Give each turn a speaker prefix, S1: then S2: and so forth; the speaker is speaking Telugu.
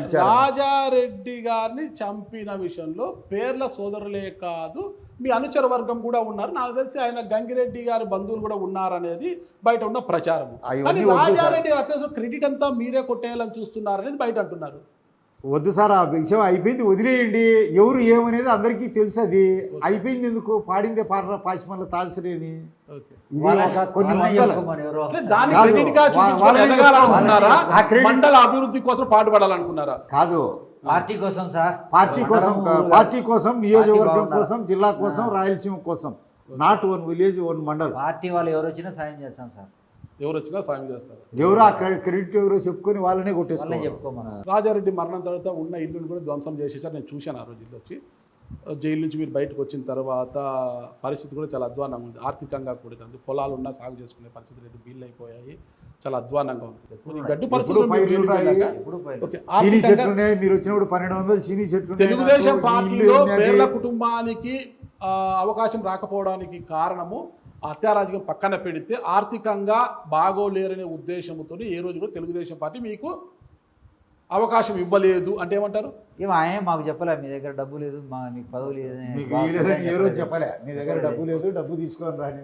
S1: రాజారెడ్డి గారిని చంపిన విషయంలో పేర్ల సోదరులే కాదు మీ అనుచర వర్గం కూడా ఉన్నారు. నాకు తెలిసి ఆయన గంగిరెడ్డి గారి బంధువులు కూడా ఉన్నారనేది బయట ఉన్న ప్రచారం. కానీ రాజారెడ్డి అత్యవసర క్రెడిట్ అంతా మీరే కొట్టేయాలని చూస్తున్నారు అనేది బయట అంటున్నారు.
S2: వద్దు సార్, ఆ విషయం అయిపోయింది, వదిలేయండి. ఎవరు ఏమనేది అందరికీ తెలుసు. అది అయిపోయింది. ఎందుకు పాడిందే పాశమల్ల తాసిరేని కొన్ని
S1: మండల అభివృద్ధి కోసం పాటుపడాలనుకున్నారా?
S2: కాదు,
S3: పార్టీ కోసం సార్,
S2: పార్టీ కోసం, నియోజకవర్గం కోసం, జిల్లా కోసం, రాయలసీమ కోసం. Not one village one mandal.
S3: Party వాళ్ళు ఎవరు వచ్చినా సాయం చేస్తాం సార్.
S1: ఎవరు వచ్చినా సాయం చేస్తారు.
S2: ఎవరు ఆ క్రెడిట్ ఎవరో చెప్పుకొని వాళ్ళనే
S3: చెప్పుకోమన్నారు.
S1: రాజారెడ్డి మరణం తర్వాత ఉన్న ఇల్లును కూడా ధ్వంసం చేసేసారు. నేను చూశాను ఆ రోజు ఇల్లు వచ్చి. జైలు నుంచి మీరు బయటకు వచ్చిన తర్వాత పరిస్థితి కూడా చాలా అధ్వానంగా ఉంది. ఆర్థికంగా కూడా పొలాలు ఉన్నా సాగు చేసుకునే పరిస్థితి లేదు, బిల్లు అయిపోయాయి, చాలా అధ్వానంగా ఉంది. గడ్డు పరిస్థితులు
S2: మీరు వచ్చినప్పుడు 1200 చీనీ చెట్లు.
S1: తెలుగుదేశం పార్టీలో పేర్ల కుటుంబానికి అవకాశం రాకపోవడానికి కారణము హత్యారాజకీయం పక్కన పెడితే ఆర్థికంగా బాగోలేరనే ఉద్దేశంతో ఏ రోజు కూడా తెలుగుదేశం పార్టీ మీకు అవకాశం ఇవ్వలేదు అంటే ఏమంటారు?
S3: ఆయన మాకు చెప్పలే మీ దగ్గర డబ్బు లేదు, మీకు పదవి లేదు,
S2: ఏ రోజు చెప్పలే మీ దగ్గర డబ్బు లేదు, డబ్బు తీసుకొని రాని.